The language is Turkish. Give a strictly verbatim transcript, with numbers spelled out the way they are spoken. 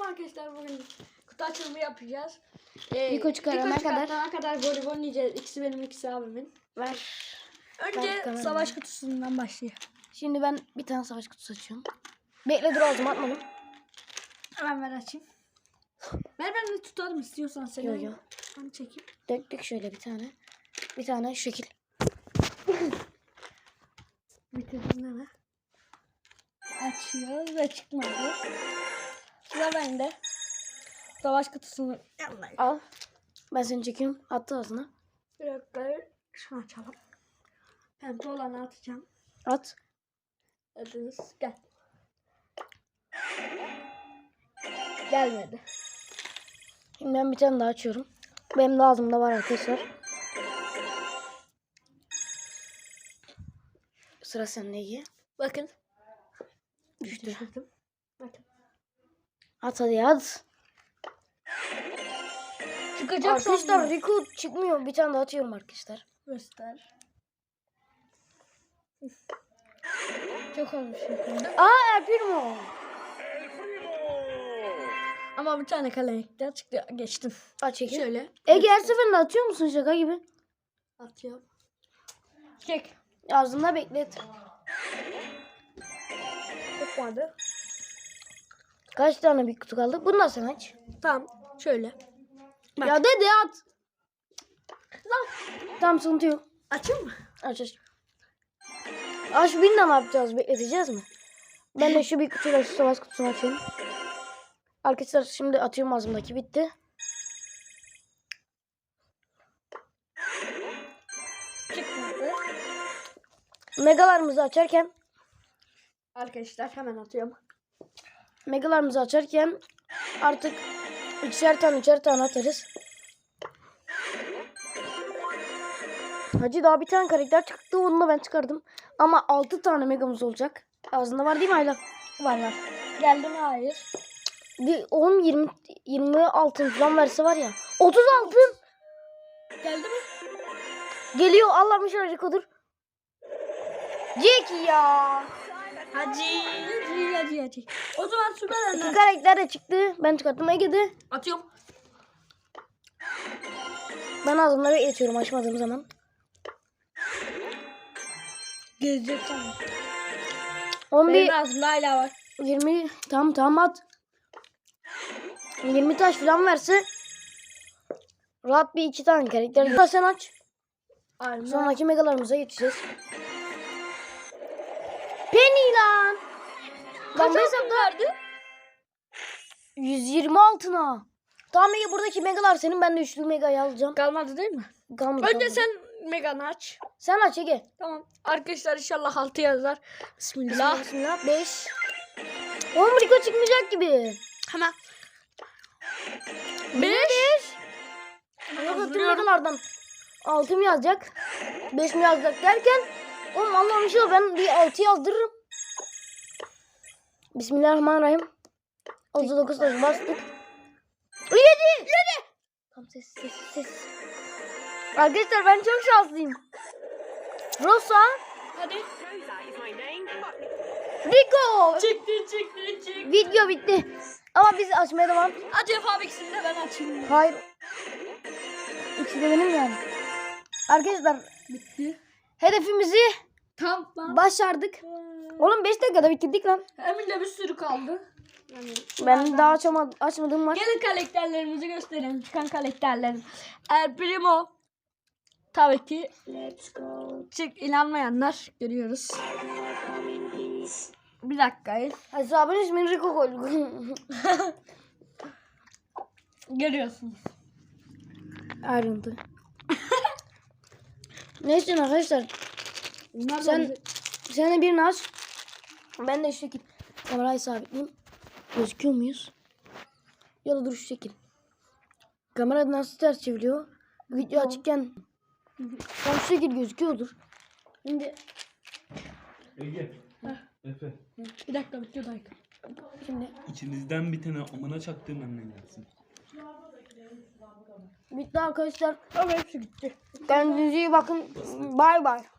arkadaşlar, bugün kutu açılımı yapacağız. Ee, Rico çıkarana kadar. kadar voleybol yiyeceğiz. İkisi benim, ikisi abimin. Ver. Önce Ver savaş kutusundan başlayalım. Şimdi ben bir tane savaş kutusu açıyorum. Bekle dur ağzıma atmadım. Hemen ver açayım. Ver, ben de tutarım istiyorsan seni. Yo yo. Ben çekeyim. Döktük şöyle bir tane. Bir tane şu şekil. Bitirdim hemen. Açıyoruz ve çıkmadı. Sıra bende. Savaş kutusunu yanlayayım. Al. Ben seni çekiyorum. Attı ağzına. Bir dakika. Şunu açalım. Pembe olanı atacağım. At. Adınız gel. Gelmedi. Şimdi ben bir tane daha açıyorum. Benim de ağzımda var arkadaşlar. Sıra sende iyi. Bakın. Düştü. Düşürdüm. Bakın. At hadi at. Çıkacak Arkadaşlar sandım. Rico çıkmıyor. Bir tane daha atıyorum arkadaşlar. Göster. Çok olmuş yukarıda. Aa El Primo. Ama bir tane kalemlikten çıktı. Geçtim. Aç çekil. Şöyle. Ege her seferinde atıyor musun şaka gibi? Atıyorum. Çek. Ağzında beklet. Çıkmadı. Kaç tane bir kutu kaldı? Bunu da sen aç. Tamam. Şöyle. Bak. Ya dede at. Lan. Tamam sıkıntı yok. Açayım mı? Aç aç. Aç bin de ne yapacağız? Bekleteceğiz mi? Ben de şu bir kutuyla şu savaş kutusunu açıyorum. Arkadaşlar şimdi atıyorum ağzımdaki bitti. Çıkmadı. Megalarımızı açarken Arkadaşlar hemen atıyorum. Megalarımızı açarken artık ikişer tane üçer tane atarız. Hacı daha bir tane karakter çıktı, onu da ben çıkardım. Ama altı tane megamız olacak. Ağzında var değil mi Ayla? Var var. Geldi mi? Hayır. Bir on yirmi yirmi altın falan verse var ya. otuz altın. Geldi mi? Geliyor, Allah'ım şöyle Rico'dur. Jack ya. Hadi. Hadi hadi hadi. O zaman süper İki anne. karakter de çıktı. Ben çıkarttım, Ege'de. Atıyorum. Ben ağzımda bekletiyorum açmadığım zaman. Gelecek sana. on bir Benim ağzımda hala var. yirmi tam tam at. yirmi taş falan verse rahat bir iki tane karakter. Sen aç. Aynen. Sonraki megalarımıza geçeceğiz. Penny lan. Lan Kaç ben altın verdi? yüz yirmi altına. Tamam Ege, buradaki megalar senin, ben de üçlü megayı alacağım. Kalmadı değil mi? Kalmadı, Önce kalmadı. sen Megan'ı aç. Sen aç Ege. Tamam. Arkadaşlar inşallah altı yazar. Bismillah. Bismillah. beş. on Rico çıkmayacak gibi. Hemen. beş. Yok yok, tüm megalardan altı mı yazacak? beş mi yazacak derken oğlum Allah'ım inşallah ben bir altı yazdırırım. Bismillahirrahmanirrahim. otuz dokuz taş bastık. yedi. yedi. Tamam, ses ses ses. Arkadaşlar ben çok şanslıyım. Rosa. Hadi. Rico. Çıktı çıktı çıktı. Video bitti. Ama biz açmaya devam. Acaba ikisini de ben açayım. Hayır. İkisi de benim yani. Arkadaşlar Bitti. hedefimizi Tamam lan. başardık. Oğlum beş dakikada bitirdik lan. Emin'de bir sürü kaldı. Yani, Ben daha açamadım, açmadığım var. gelin karakterlerimizi gösterelim. Çıkan karakterlerim. El Primo. Tabii ki. Let's go. Çık, inanmayanlar görüyoruz. Bir dakika. Hesabın ismini Rico koyduk. Görüyorsunuz. Ayrıntı. Neyse arkadaşlar. Bunlar Sen da sen de birini aç. Ben de şu şekil kamerayı sabitleyeyim. Gözüküyor muyuz? Ya da dur şu şekil. Kamera nasıl ters çeviriyor? Video açıkken tam şu şekil gözüküyordur. Şimdi Ege. Efe. bir dakika bir dakika. şimdi İçinizden bir tane amına çaktığım anne gelsin. bitti arkadaşlar. Ama hepsi gitti. Kendinize iyi bakın. Bay bay.